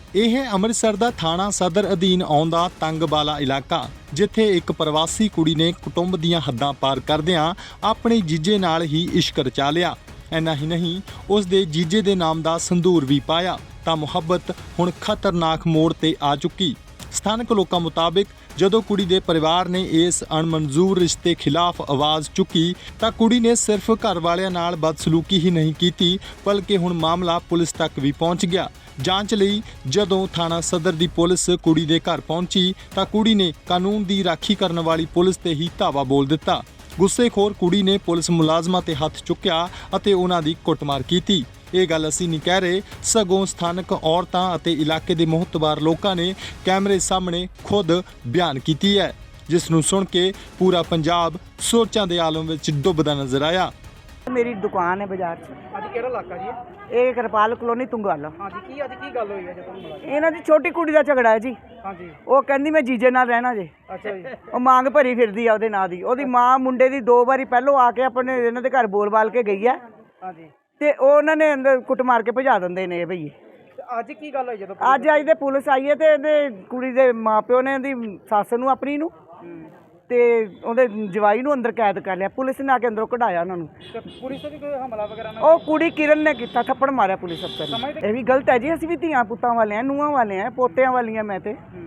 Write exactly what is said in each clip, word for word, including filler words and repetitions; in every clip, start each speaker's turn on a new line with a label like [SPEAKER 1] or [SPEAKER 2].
[SPEAKER 1] ਇਹ ਅੰਮ੍ਰਿਤਸਰ ਦਾ ਥਾਣਾ ਸਦਰ ਅਧੀਨ ਆਉਂਦਾ ਤੰਗਬਾਲਾ ਇਲਾਕਾ, ਜਿੱਥੇ ਇੱਕ ਪ੍ਰਵਾਸੀ ਕੁੜੀ ਨੇ ਕੁਟੁੰਬ ਦੀਆਂ ਹੱਦਾਂ ਪਾਰ ਕਰਦਿਆਂ ਆਪਣੇ ਜੀਜੇ ਨਾਲ ਹੀ ਇਸ਼ਕ ਰਚਾ ਲਿਆ। ਇੰਨਾ ਹੀ ਨਹੀਂ, ਉਸ ਦੇ ਜੀਜੇ ਦੇ ਨਾਮ ਦਾ ਸੰਦੂਰ ਵੀ ਪਾਇਆ ਤਾਂ ਮੁਹੱਬਤ ਹੁਣ ਖਤਰਨਾਕ ਮੋੜ ਤੇ ਆ ਚੁੱਕੀ। ਸਥਾਨਕ ਲੋਕਾਂ ਮੁਤਾਬਿਕ ਜਦੋਂ ਕੁੜੀ ਦੇ ਪਰਿਵਾਰ ਨੇ ਇਸ ਅਣਮਨਜ਼ੂਰ ਰਿਸ਼ਤੇ ਖਿਲਾਫ ਆਵਾਜ਼ ਚੁੱਕੀ ਤਾਂ ਕੁੜੀ ਨੇ ਸਿਰਫ ਘਰ ਵਾਲਿਆਂ ਨਾਲ ਬਦਸਲੂਕੀ ਹੀ ਨਹੀਂ ਕੀਤੀ, ਬਲਕਿ ਹੁਣ ਮਾਮਲਾ ਪੁਲਿਸ ਤੱਕ ਵੀ ਪਹੁੰਚ ਗਿਆ। ਜਾਂਚ ਲਈ ਜਦੋਂ ਥਾਣਾ ਸਦਰ ਦੀ ਪੁਲਿਸ ਕੁੜੀ ਦੇ ਘਰ ਪਹੁੰਚੀ ਤਾਂ ਕੁੜੀ ਨੇ ਕਾਨੂੰਨ ਦੀ ਰਾਖੀ ਕਰਨ ਵਾਲੀ ਪੁਲਿਸ ਤੇ ਹੀ ਧਾਵਾ ਬੋਲ ਦਿੱਤਾ। ਗੁੱਸੇਖੋਰ ਕੁੜੀ ਨੇ ਪੁਲਿਸ ਮੁਲਾਜ਼ਮਾਂ ਤੇ ਹੱਥ ਚੁੱਕਿਆ ਅਤੇ ਉਹਨਾਂ ਦੀ ਕੁੱਟਮਾਰ ਕੀਤੀ। ਇਹ ਗੱਲ ਅਸੀਂ ਨਹੀਂ ਕਹਿ ਰਹੇ, ਸਗੋਂ ਸਥਾਨਕ ਔਰਤਾਂ ਅਤੇ ਇਲਾਕੇ ਦੇ ਮੁਹੱਤਵਾਰ ਲੋਕਾਂ ਨੇ ਕੈਮਰੇ ਸਾਹਮਣੇ ਖੁਦ ਬਿਆਨ ਕੀਤੀ ਹੈ, ਜਿਸ ਨੂੰ ਸੁਣ ਕੇ ਪੂਰਾ ਪੰਜਾਬ ਸੋਚਾਂ ਦੇ ਆਲਮ ਵਿੱਚ ਡੁੱਬਦਾ ਨਜ਼ਰ ਆਇਆ।
[SPEAKER 2] मेरी दुकान है बाजार च।
[SPEAKER 3] ਅੱਜ ਕਿਹੜਾ ਇਲਾਕਾ ਜੀ?
[SPEAKER 2] ਇਹ ਕਿਰਪਾਲ ਕਲੋਨੀ ਤੁੰਗਵਾਲਾ।
[SPEAKER 3] ਹਾਂਜੀ, ਕੀ ਅੱਜ ਕੀ ਗੱਲ ਹੋਈ ਹੈ ਜਦੋਂ ਮਿਲਾ?
[SPEAKER 2] ਇਹਨਾਂ ਦੀ ਛੋਟੀ ਕੁੜੀ ਦਾ ਝਗੜਾ ਹੈ ਜੀ।
[SPEAKER 3] ਹਾਂਜੀ,
[SPEAKER 2] ਉਹ ਕਹਿੰਦੀ ਮੈਂ ਜੀਜੇ ਨਾਲ ਰਹਿਣਾ ਜੇ।
[SPEAKER 3] ਅੱਛਾ ਜੀ।
[SPEAKER 2] ਉਹ ਮੰਗ ਭਰੀ ਫਿਰਦੀ ਆ ਉਹਦੇ ਨਾਂ ਦੀ। ਉਹਦੀ ਮਾਂ ਮੁੰਡੇ ਦੀ ਦੋ ਵਾਰੀ ਪਹਿਲੋਂ ਆ ਕੇ ਆਪਣੇ ਇਹਨਾਂ ਦੇ ਘਰ ਬੋਲ-ਬਾਲ ਕੇ ਗਈ ਹੈ
[SPEAKER 3] ਹਾਂਜੀ,
[SPEAKER 2] ਤੇ ਉਹ ਉਹਨਾਂ ਨੇ ਅੰਦਰ ਕੁੱਟ ਮਾਰ ਕੇ ਭਜਾ ਦਿੰਦੇ ਨੇ ਇਹ ਭਈਏ।
[SPEAKER 3] ਤੇ ਅੱਜ ਕੀ ਗੱਲ ਹੋਈ ਜਦੋਂ?
[SPEAKER 2] ਅੱਜ ਅੱਜ ਦੇ ਪੁਲਿਸ ਆਈ ਹੈ ਤੇ ਇਹਦੇ ਕੁੜੀ ਦੇ ਮਾਪਿਓ ਨੇ ਇਹਦੀ ਸੱਸ ਨੂੰ ਆਪਣੀ ਨੂੰ
[SPEAKER 3] ਹੂੰ।
[SPEAKER 2] ਤੇ ਉਹਦੇ ਜਵਾਈ ਨੂੰ ਅੰਦਰ ਕੈਦ ਕਰ ਲਿਆ। ਪੁਲਿਸ ਨੇ ਆ ਕੇ ਅੰਦਰੋਂ ਕਢਾਇਆ ਉਹਨਾਂ ਨੂੰ।
[SPEAKER 3] ਤੇ ਪੁਲਿਸ ਤੇ ਵੀ ਕੋਈ ਹਮਲਾ ਵਗੈਰਾ ਨਾ?
[SPEAKER 2] ਉਹ ਕੁੜੀ ਕਿਰਨ ਨੇ ਕੀਤਾ, ਥੱਪੜ ਮਾਰਿਆ ਪੁਲਿਸ ਅਫਸਰ ਨੇ। ਇਹ ਵੀ ਗਲਤ ਹੈ ਜੀ। ਅਸੀਂ ਵੀ ਧੀਆਂ ਪੁੱਤਾਂ ਵਾਲੇ ਆ, ਨੂੰਹਾਂ ਵਾਲੇ ਆ, ਪੋਤਿਆਂ ਵਾਲੀਆਂ ਮੈਂ ਤੇ।
[SPEAKER 3] ਹੂੰ।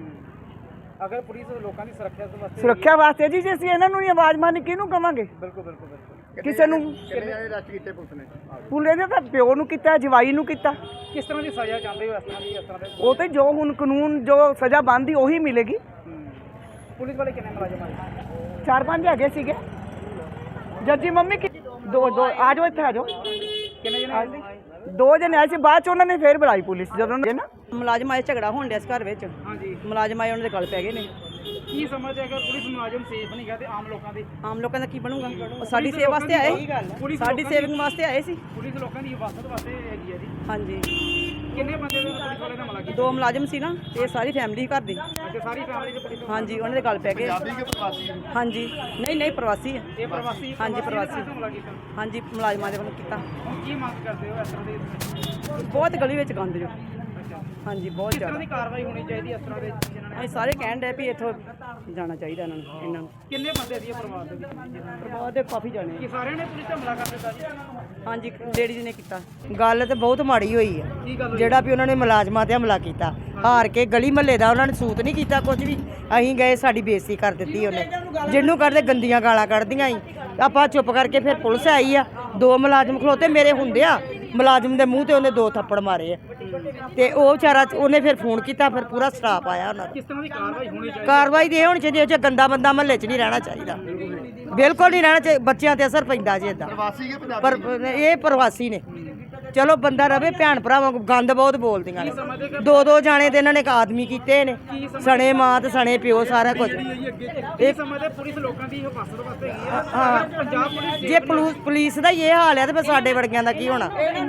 [SPEAKER 3] ਅਗਰ ਪੁਲਿਸ ਲੋਕਾਂ ਦੀ ਸੁਰੱਖਿਆ ਵਾਸਤੇ
[SPEAKER 2] ਸੁਰੱਖਿਆ ਵਾਸਤੇ ਜੀ, ਜੇ ਅਸੀਂ ਇਹਨਾਂ ਨੂੰ ਹੀ ਆਵਾਜ਼ ਮਾਰਨੀ ਕਿਹਨੂੰ ਕਵਾਂਗੇ?
[SPEAKER 3] ਬਿਲਕੁਲ ਬਿਲਕੁਲ ਬਿਲਕੁਲ।
[SPEAKER 2] ਕਿਸੇ ਨੂੰ
[SPEAKER 3] ਕਿੰਨੇ ਅਰੈਸਟ ਕੀਤੇ ਪੁਲਿਸ ਨੇ?
[SPEAKER 2] ਪੁਲਿਸ ਨੇ ਤਾਂ ਪਿਓ ਨੂੰ ਕੀਤਾ, ਜਵਾਈ ਨੂੰ ਕੀਤਾ।
[SPEAKER 3] ਕਿਸ ਤਰ੍ਹਾਂ ਦੀ ਸਜ਼ਾ ਚਾਹੁੰਦੇ ਹੋ ਇਸ ਤਰ੍ਹਾਂ ਦੀ ਇਸ ਤਰ੍ਹਾਂ ਦੇ?
[SPEAKER 2] ਉਹ ਤੇ ਜੋ ਹੁਣ ਕਾਨੂੰਨ ਜੋ ਸਜ਼ਾ ਬਣਦੀ ਉਹੀ ਮਿਲੇਗੀ।
[SPEAKER 3] ਹੂੰ। ਪੁਲਿਸ ਵਾਲੇ ਕਿੰਨੇ ਮੁਲਾਜ਼ਮ ਆਏ?
[SPEAKER 2] ਚਾਰ ਪੰਜ ਹੈਗੇ ਸੀਗੇ। ਜੱਜੀ ਮੰਮੀ ਕਿ ਦੋ ਦੋ ਆ ਜਾਓ, ਇੱਥੇ ਆ ਜਾਓ।
[SPEAKER 3] ਕਿੰਨੇ ਜਣੇ ਆਏ ਸੀ?
[SPEAKER 2] ਦੋ ਜਣੇ ਆਏ ਸੀ, ਬਾਅਦ ਚ ਉਹਨਾਂ ਨੇ ਫੇਰ ਬੁਲਾਈ ਪੁਲਿਸ। ਜਦੋਂ ਨਾ
[SPEAKER 4] ਮੁਲਾਜ਼ਮ ਆਏ, ਝਗੜਾ ਹੋਣ ਡਿਆ ਇਸ ਘਰ ਵਿੱਚ।
[SPEAKER 3] ਹਾਂਜੀ।
[SPEAKER 4] ਮੁਲਾਜ਼ਮ ਆਏ, ਉਹਨਾਂ ਦੇ ਗਲ ਪੈ ਗਏ ਨੇ।
[SPEAKER 3] ਕੀ ਸਮਝਦੇ ਅਗਰ ਪੁਲਿਸ ਮੁਲਾਜ਼ਮ ਸੇਫ ਨਹੀਂ ਗਾ ਤੇ ਆਮ ਲੋਕਾਂ ਦੀ?
[SPEAKER 4] ਆਮ ਲੋਕਾਂ ਦਾ ਕੀ ਬਣੂਗਾ? ਉਹ ਸਾਡੀ ਸੇਵਾ ਵਾਸਤੇ ਆਏ,
[SPEAKER 3] ਪੁਲਿਸ
[SPEAKER 4] ਸਾਡੀ
[SPEAKER 3] ਲੋਕਾਂ ਦੀ-
[SPEAKER 4] ਸੇਵਿੰਗ ਵਾਸਤੇ ਆਏ ਸੀ।
[SPEAKER 3] ਪੁਲਿਸ ਲੋਕਾਂ ਦੀ ਹਿਫਾਜ਼ਤ ਵਾਸਤੇ ਹੈਗੀ ਹੈ ਜੀ।
[SPEAKER 4] ਹਾਂਜੀ,
[SPEAKER 3] ਕਿੰਨੇ ਬੰਦੇ ਦੇ ਪੁਲਿਸ ਵਾਲੇ ਨੇ ਹਮਲਾ ਕੀਤਾ?
[SPEAKER 4] ਦੋ ਮੁਲਾਜ਼ਮ ਸੀ ਨਾ, ਇਹ ਸਾਰੀ ਫੈਮਿਲੀ ਘਰ ਦੀ।
[SPEAKER 3] ਅੱਛਾ, ਸਾਰੀ ਫੈਮਿਲੀ ਦੇ ਪੁਲਿਸ?
[SPEAKER 4] ਹਾਂਜੀ, ਉਹਨਾਂ ਦੇ ਗਲ ਪੈ ਗਏ।
[SPEAKER 3] ਪੰਜਾਬੀ ਕਿ ਪ੍ਰਵਾਸੀ?
[SPEAKER 4] ਹਾਂਜੀ, ਨਹੀਂ ਨਹੀਂ ਪ੍ਰਵਾਸੀ ਹੈ।
[SPEAKER 3] ਇਹ ਪ੍ਰਵਾਸੀ?
[SPEAKER 4] ਹਾਂਜੀ,
[SPEAKER 3] ਨੇ
[SPEAKER 4] ਪ੍ਰਵਾਸੀ।
[SPEAKER 3] ਹਮਲਾ ਕੀਤਾ?
[SPEAKER 4] ਹਾਂਜੀ, ਮੁਲਾਜ਼ਮਾਂ ਦੇ ਵੱਲੋਂ ਕੀਤਾ।
[SPEAKER 3] ਹੁਣ ਕੀ ਮੰਗ ਕਰਦੇ ਹੋ ਇਸ ਤਰ੍ਹਾਂ ਦੇ?
[SPEAKER 4] ਬਹੁਤ ਗਲੀ ਵਿੱਚ ਗੰਦ ਜੋ।
[SPEAKER 3] ਅੱਛਾ,
[SPEAKER 4] ਹਾਂਜੀ, ਬਹੁਤ
[SPEAKER 3] ਕਿਸ ਤਰ੍ਹਾਂ
[SPEAKER 4] ਜ਼ਿਆਦਾ।
[SPEAKER 3] ਦੀ ਕਾਰਵਾਈ ਹੋਣੀ ਚਾਹੀਦੀ ਇਸ ਤਰ੍ਹਾਂ ਦੇ ਜਿਨ੍ਹਾਂ ਨੇ?
[SPEAKER 4] ਅਸੀਂ ਸਾਰੇ ਕਹਿਣ ਡਏ ਵੀ ਇੱਥੋਂ ਜਾਣਾ ਚਾਹੀਦਾ ਇਹਨਾਂ ਨੂੰ ਇਹਨਾਂ ਨੂੰ
[SPEAKER 3] ਕਿੰਨੇ ਬੰਦੇ ਸੀ ਇਹ ਪਰਿਵਾਰ ਦੇ ਵਿੱਚ ਜਿਨ੍ਹਾਂ ਨੇ?
[SPEAKER 4] ਪਰਿਵਾਰ ਦੇ ਕਾਫੀ ਜਾਣੇ।
[SPEAKER 3] ਕੀ ਸਾਰਿਆਂ ਨੇ ਪੁਲਿਸ ਤੇ ਹਮਲਾ ਕਰ ਦਿੱਤਾ ਜੀ?
[SPEAKER 4] ਹਾਂਜੀ, ਲੇਡੀਜ਼ ਨੇ ਕੀਤਾ।
[SPEAKER 5] ਗੱਲ ਤੇ ਬਹੁਤ ਮਾੜੀ ਹੋਈ ਆ।
[SPEAKER 3] ਕੀ ਗੱਲ ਹੋਈ?
[SPEAKER 5] ਜਿਹੜਾ ਵੀ ਉਹਨਾਂ ਨੇ ਮੁਲਾਜ਼ਮਾਂ ਤੇ ਹਮਲਾ ਕੀਤਾ, ਹਾਰ ਕੇ ਗਲੀ ਮਹੱਲੇ ਦਾ ਉਹਨਾਂ ਨੇ ਸੂਤ ਨਹੀਂ ਕੀਤਾ ਕੁਝ ਵੀ। ਅਸੀਂ ਗਏ, ਸਾਡੀ ਬੇਇੱਜ਼ਤੀ ਕਰ ਦਿੱਤੀ ਉਹਨੇ। ਜਿਹਨੂੰ ਕਰਦੇ ਗੰਦੀਆਂ ਗਾਲਾਂ ਕੱਢਦੀਆਂ ਸੀ। ਆਪਾਂ ਚੁੱਪ ਕਰਕੇ ਫਿਰ ਪੁਲਿਸ ਆਈ ਆ, ਦੋ ਮੁਲਾਜ਼ਮ ਖਲੋਤੇ ਮੇਰੇ ਹੁੰਦੇ ਆ, ਮੁਲਾਜ਼ਮ ਦੇ ਮੂੰਹ ਤੇ ਉਹਨੇ ਦੋ ਥੱਪੜ ਮਾਰੇ ਆ। ਤੇ ਉਹ ਵਿਚਾਰਾ ਉਹਨੇ ਫਿਰ ਫੋਨ ਕੀਤਾ, ਫਿਰ ਪੂਰਾ ਸਟਾਫ ਆਇਆ ਉਹਨਾਂ ਦਾ।
[SPEAKER 3] ਕਿਸ ਤਰ੍ਹਾਂ ਦੀ ਕਾਰਵਾਈ ਹੋਣੀ ਚਾਹੀਦੀ?
[SPEAKER 5] ਕਾਰਵਾਈ ਦੇ ਹੋਣੀ ਚਾਹੀਦੀ, ਉਹ 'ਚ ਗੰਦਾ ਬੰਦਾ ਮਹੱਲੇ 'ਚ ਨਹੀਂ ਰਹਿਣਾ ਚਾਹੀਦਾ, ਬਿਲਕੁਲ ਨਹੀਂ ਰਹਿਣਾ ਚਾਹੀਦਾ। ਬੱਚਿਆਂ ਤੇ ਅਸਰ ਪੈਂਦਾ ਜੀ ਇਦਾਂ। ਪਰ ਇਹ ਪ੍ਰਵਾਸੀ ਨੇ, ਚਲੋ ਬੰਦਾ ਰਵੇ ਭੈਣ ਭਰਾਵਾਂ। ਗੰਦ ਬਹੁਤ ਬੋਲਦੀਆਂ ਨੇ। ਦੋ ਦੋ ਜਾਣੇ ਤੇ ਇਹਨਾਂ ਨੇ ਇੱਕ ਆਦਮੀ ਕੀਤੇ ਨੇ, ਸਣੇ ਮਾਂ ਤੇ ਸਣੇ ਪਿਓ, ਸਾਰਾ ਕੁਝ।
[SPEAKER 3] ਇਹ ਸਮਝਦੇ ਪੁਲਿਸ ਲੋਕਾਂ ਦੀ ਹਿਫਾਜ਼ਤ ਵਾਸਤੇ ਹੈਗੀ ਆ?
[SPEAKER 5] ਹਾਂ,
[SPEAKER 3] ਪੰਜਾਬ ਪੁਲਿਸ
[SPEAKER 5] ਜੇ ਪੁਲਿਸ ਪੁਲਿਸ ਦਾ ਹੀ ਇਹ ਹਾਲ ਹੈ ਤੇ ਫਿਰ ਸਾਡੇ ਵਰਗਿਆਂ ਦਾ ਕੀ ਹੋਣਾ?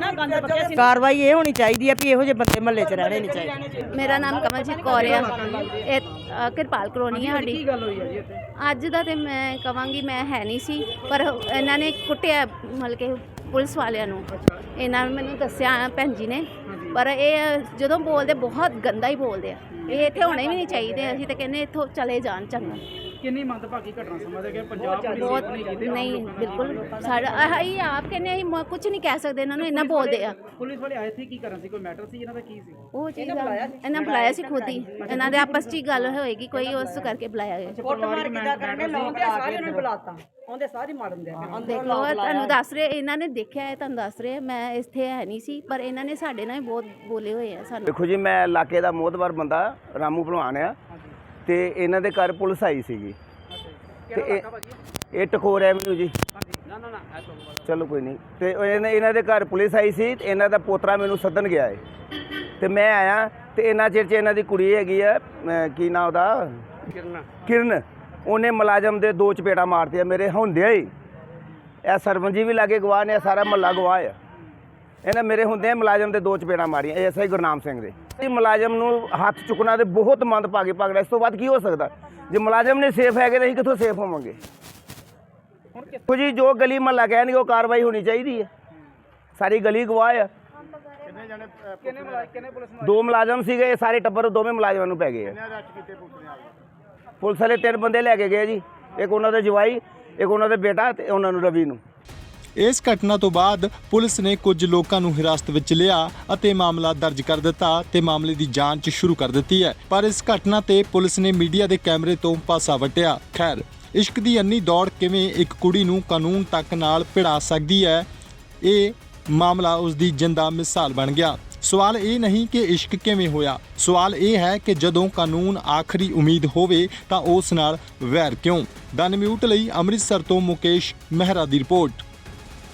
[SPEAKER 5] ਕਾਰਵਾਈ ਇਹ ਹੋਣੀ ਚਾਹੀਦੀ ਹੈ ਵੀ ਇਹੋ ਜਿਹੇ ਬੰਦੇ ਮਹੱਲੇ 'ਚ ਰਹਿਣੇ ਨਹੀਂ ਚਾਹੀਦੇ।
[SPEAKER 6] ਮੇਰਾ ਨਾਮ ਕਮਲਜੀਤ ਕੌਰ ਆ। ਇਹ ਅ, ਕਿਰਪਾਲ ਕਲੋਨੀ ਆ ਸਾਡੀ।
[SPEAKER 3] ਕੀ ਗੱਲ ਹੋਈ ਹੈ ਜੀ ਇੱਥੇ?
[SPEAKER 6] ਅੱਜ ਦਾ ਤੇ ਮੈਂ ਕਵਾਂਗੀ ਮੈਂ ਹੈ ਨਹੀਂ ਸੀ, ਪਰ ਇਹਨਾਂ ਨੇ ਕੁੱਟਿਆ ਮਤਲਬ ਕਿ ਪੁਲਿਸ ਵਾਲਿਆਂ ਨੂੰ। ਇਹਨਾਂ ਨੇ ਮੈਨੂੰ ਦੱਸਿਆ ਭੈਣ ਜੀ ਨੇ, ਪਰ ਇਹ ਜਦੋਂ ਬੋਲਦੇ ਬਹੁਤ ਗੰਦਾ ਹੀ ਬੋਲਦੇ ਆ। ਇਹ ਇੱਥੇ ਹੋਣੇ ਵੀ ਨਹੀਂ ਚਾਹੀਦੇ। ਅਸੀਂ ਤਾਂ ਕਹਿੰਦੇ ਇੱਥੋਂ ਚਲੇ ਜਾਣ ਚੰਗਾ।
[SPEAKER 3] ਕਿੰਨੀ ਮੰਦਭਾਗੀ ਘਟਨਾ ਸਮਝਦੇ ਕਿ ਪੰਜਾਬ ਪੁਲਿਸ
[SPEAKER 6] ਬਹੁਤ
[SPEAKER 3] ਨਹੀਂ ਕੀਤੀ?
[SPEAKER 6] ਨਹੀਂ, ਬਿਲਕੁਲ ਸਾਡਾ ਅਸੀਂ ਆਪ ਕਹਿੰਦੇ ਅਸੀਂ ਮ- ਕੁਝ ਨਹੀਂ ਕਹਿ ਸਕਦੇ ਇਹਨਾਂ ਨੂੰ, ਇੰਨਾ ਬੋਲਦੇ ਆ।
[SPEAKER 3] ਪੁਲਿਸ ਵਾਲੇ ਆਏ ਸੀ ਕੀ ਕਰਨ ਸੀ? ਕੋਈ ਮੈਟਰ ਸੀ ਇਹਨਾਂ ਦਾ? ਕੀ ਸੀ?
[SPEAKER 6] ਉਹ ਚੀਜ਼ ਇਹਨਾਂ ਬੁਲਾਇਆ ਸੀ ਖੁਦ ਹੀ। ਇਹਨਾਂ ਦੇ ਆਪਸ 'ਚ ਹੀ ਗੱਲ ਹੋਏਗੀ ਕੋਈ, ਉਸ ਕਰਕੇ ਬੁਲਾਇਆ ਗਿਆ।
[SPEAKER 4] ਕੁੱਟਮਾਰ ਕਿੱਦਾਂ ਕਰਨੇ ਲਾਉਂਦੇ ਸਾਰੇ ਉਹਨਾਂ ਨੂੰ ਬੁਲਾਤਾ, ਉਹਦੇ ਸਾਰੇ ਮਾਰਨ ਦੇ।
[SPEAKER 6] ਦੇਖ ਲਓ, ਤੁਹਾਨੂੰ ਦੱਸ ਰਹੇ, ਇਹਨਾਂ ਨੇ ਦੇਖਿਆ ਹੈ, ਤੁਹਾਨੂੰ ਦੱਸ ਰਹੇ। ਮੈਂ ਇੱਥੇ ਹੈ ਨਹੀਂ ਸੀ, ਪਰ ਇਹਨਾਂ ਨੇ ਸਾਡੇ ਨਾਲ ਬਹੁਤ ਬੋਲੇ ਹੋਏ ਆ ਸਾਨੂੰ।
[SPEAKER 7] ਦੇਖੋ ਜੀ, ਮੈਂ ਇਲਾਕੇ ਦਾ ਮੋਹਤਬਰ ਬੰਦਾ ਰਾਮੂ ਭਲਵਾਨ ਆ, ਤੇ ਇਹਨਾਂ ਦੇ ਘਰ ਪੁਲਿਸ ਆਈ ਸੀਗੀ। ਤੇ ਇਹ ਇਹ ਟਕੋਰ ਐਵਨਿਊ ਜੀ। ਚਲੋ ਕੋਈ ਨਹੀਂ। ਤੇ ਇਹਨਾਂ ਇਹਨਾਂ ਦੇ ਘਰ ਪੁਲਿਸ ਆਈ ਸੀ ਤੇ ਇਹਨਾਂ ਦਾ ਪੋਤਰਾ ਮੈਨੂੰ ਸੱਦਣ ਗਿਆ ਹੈ ਤੇ ਮੈਂ ਆਇਆ। ਤੇ ਇਹਨਾਂ ਚਿਰ 'ਚ ਇਹਨਾਂ ਦੀ ਕੁੜੀ ਹੈਗੀ ਆ, ਕੀ ਨਾਂ ਉਹਦਾ, ਕਿਰਨ ਕਿਰਨ ਉਹਨੇ ਮੁਲਾਜ਼ਮ ਦੇ ਦੋ ਚਪੇੜਾਂ ਮਾਰਤੀਆਂ ਮੇਰੇ ਹੁੰਦਿਆਂ ਹੀ। ਇਹ ਸਰਪੰਚ ਜੀ ਵੀ ਲਾਗੇ ਗਵਾਹ ਨੇ, ਸਾਰਾ ਮਹੱਲਾ ਗਵਾਹ ਆ। ਇਹਨਾਂ ਮੇਰੇ ਹੁੰਦਿਆਂ ਮੁਲਾਜ਼ਮ ਦੇ ਦੋ ਚਪੇੜਾਂ ਮਾਰੀਆਂ, ਐਸ ਆਈ ਗੁਰਨਾਮ ਸਿੰਘ ਦੇ। ਇਹ ਮੁਲਾਜ਼ਮ ਨੂੰ ਹੱਥ ਚੁੱਕਣਾ ਤੇ ਬਹੁਤ ਮੰਦਭਾਗੀ ਪਗੜਾ। ਇਸ ਤੋਂ ਬਾਅਦ ਕੀ ਹੋ ਸਕਦਾ? ਜੇ ਮੁਲਾਜ਼ਮ ਨੇ ਸੇਫ ਹੈਗੇ ਤਾਂ ਅਸੀਂ ਕਿੱਥੋਂ ਸੇਫ ਹੋਵਾਂਗੇ? ਦੇਖੋ ਜੀ, ਜੋ ਗਲੀ ਮਹੱਲਾ ਕਹਿਣਗੇ ਉਹ ਕਾਰਵਾਈ ਹੋਣੀ ਚਾਹੀਦੀ ਹੈ। ਸਾਰੀ ਗਲੀ ਗਵਾਹ ਆ।
[SPEAKER 3] ਕਿੰਨੇ ਮੁਲਾਜ਼ਮ ਕਿੰਨੇ ਪੁਲਿਸ ਮੁਲਾਜ਼ਮ
[SPEAKER 7] ਦੋ ਮੁਲਾਜ਼ਮ ਸੀਗੇ, ਇਹ ਸਾਰੇ ਟੱਬਰ ਦੋਵੇਂ ਮੁਲਾਜ਼ਮਾਂ ਨੂੰ ਪੈ ਗਏ ਆ। ਪੁਲਿਸ ਵਾਲੇ ਤਿੰਨ ਬੰਦੇ ਲੈ ਕੇ ਗਏ ਜੀ, ਇੱਕ ਉਹਨਾਂ ਦੇ ਜਵਾਈ, ਇੱਕ ਉਹਨਾਂ ਦੇ ਬੇਟਾ ਤੇ ਉਹਨਾਂ ਨੂੰ ਰਵੀ ਨੂੰ।
[SPEAKER 1] ਇਸ ਘਟਨਾ ਤੋਂ ਬਾਅਦ ਪੁਲਿਸ ਨੇ ਕੁਝ ਲੋਕਾਂ ਨੂੰ ਹਿਰਾਸਤ ਵਿੱਚ ਲਿਆ ਅਤੇ ਮਾਮਲਾ ਦਰਜ ਕਰ ਦਿੱਤਾ ਤੇ ਮਾਮਲੇ ਦੀ ਜਾਂਚ ਸ਼ੁਰੂ ਕਰ ਦਿੱਤੀ ਹੈ। ਪਰ ਇਸ ਘਟਨਾ ਤੇ ਪੁਲਿਸ ਨੇ ਮੀਡੀਆ ਦੇ ਕੈਮਰੇ ਤੋਂ ਪਾਸਾ ਵੱਟਿਆ। ਖੈਰ, ਇਸ਼ਕ ਦੀ ਅੰਨੀ ਦੌੜ ਕਿਵੇਂ ਇੱਕ ਕੁੜੀ ਨੂੰ ਕਾਨੂੰਨ ਤੱਕ ਨਾਲ ਭਿੜਾ ਸਕਦੀ ਹੈ, ਇਹ ਮਾਮਲਾ ਉਸ ਦੀ ਜਿੰਦਾ ਮਿਸਾਲ ਬਣ ਗਿਆ। ਸਵਾਲ ਇਹ ਨਹੀਂ ਕਿ ਇਸ਼ਕ ਕਿਵੇਂ ਹੋਇਆ, ਸਵਾਲ ਇਹ ਹੈ ਕਿ ਜਦੋਂ ਕਾਨੂੰਨ ਆਖਰੀ ਉਮੀਦ ਹੋਵੇ ਤਾਂ ਉਸ ਨਾਲ ਵੈਰ ਕਿਉਂ। ਦ ਨਿਊਜ਼ ਲਈ ਅੰਮ੍ਰਿਤਸਰ ਤੋਂ ਮੁਕੇਸ਼ ਮਹਿਰਾ ਦੀ ਰਿਪੋਰਟ।